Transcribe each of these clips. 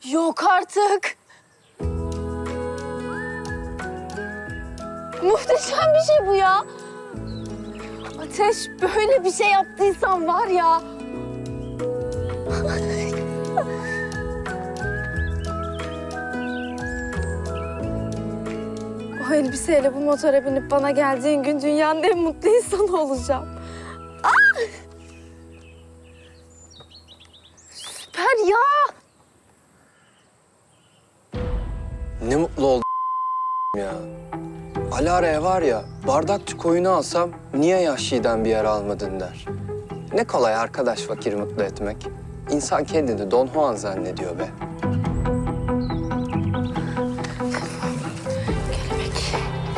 Yok artık. Muhteşem bir şey bu ya. Ateş, böyle bir şey yaptıysan var ya. O elbiseyle bu motora binip bana geldiğin gün dünyanın en mutlu insanı olacağım. Ah! Süper ya. Ne mutlu oldum ya. Alara'ya var ya, bardakçı koyunu alsam niye Yahşi'den bir yer almadın der. Ne kolay arkadaş fakiri mutlu etmek. İnsan kendini Don Juan zannediyor be. Kelebek.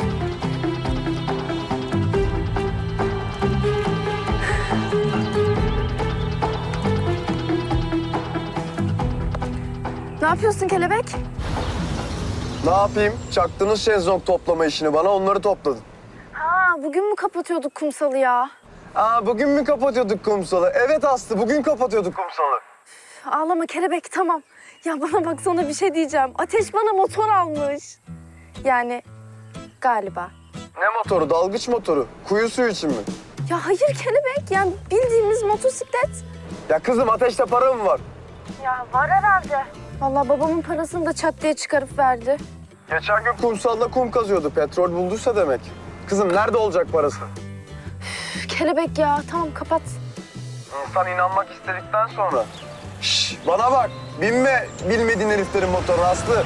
Ne yapıyorsun kelebek? Ne yapayım? Çaktınız şezlong toplama işini bana, onları topladın. Ha, bugün mü kapatıyorduk kumsalı ya? Bugün mü kapatıyorduk kumsalı? Evet Aslı, bugün kapatıyorduk kumsalı. Ağlama kelebek, tamam. Ya bana bak, sana bir şey diyeceğim. Ateş bana motor almış. Yani galiba. Ne motoru? Dalgıç motoru. Kuyu suyu için mi? Ya hayır kelebek, yani bildiğimiz motosiklet. Ya kızım, Ateş'te para mı var? Ya var herhalde. Vallahi babamın parasını da çat diye çıkarıp verdi. Geçen gün kumsalda kum kazıyordu. Petrol bulduysa demek. Kızım nerede olacak parası? Üf, kelebek ya, tamam kapat. İnsan inanmak istedikten sonra. Şş, bana bak. Binme bilmediğin heriflerin motoruna Aslı.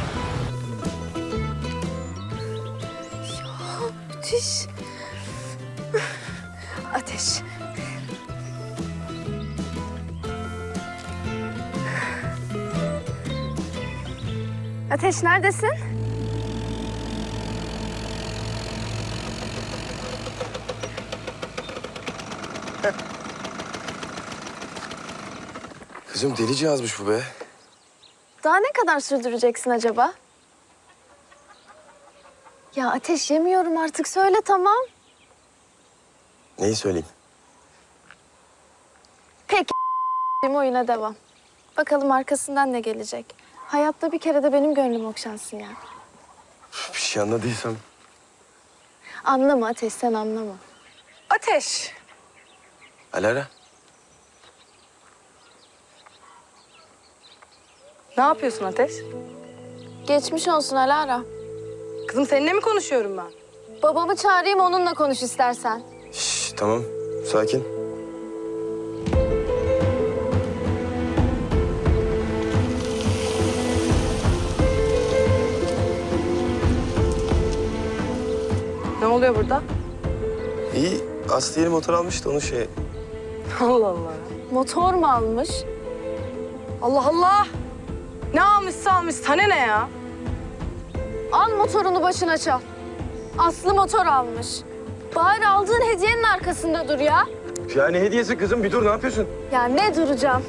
Müthiş. Ateş. Ateş neredesin? Kızım delice yazmış bu be. Daha ne kadar sürdüreceksin acaba? Ya Ateş, yemiyorum artık, söyle tamam. Neyi söyleyeyim? Peki oyuna devam. Bakalım arkasından ne gelecek. Hayatta bir kere de benim gönlüm okşansın ya. Bir şey anladıysam. Anlama Ateş, sen anlama. Ateş. Alara. Ne yapıyorsun Ateş? Geçmiş olsun Alara. Kızım seninle mi konuşuyorum ben? Babamı çağırayım, onunla konuş istersen. Şş, tamam. Sakin. Ne oluyor burada? İyi. Aslı yeni motor almış da onu şey... Allah Allah. Motor mu almış? Allah Allah. Ne almışsa almış. Sana ne ya? Al motorunu başına çal. Aslı motor almış. Bari aldığın hediyenin arkasında dur ya. Yani hediyesi kızım, bir dur, ne yapıyorsun? Ya ne duracağım?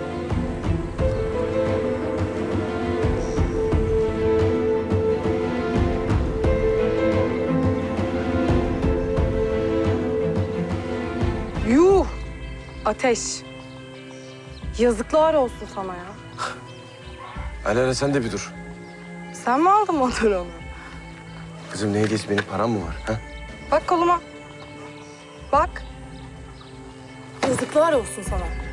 Yuh. Ateş. Yazıklar olsun sana ya. Alara sen de bir dur. Sen mi aldın motoru onu? Kızım ne hediyesi, benim param mı var? Ha? Bak koluma. Bak. Yazıklar olsun sana.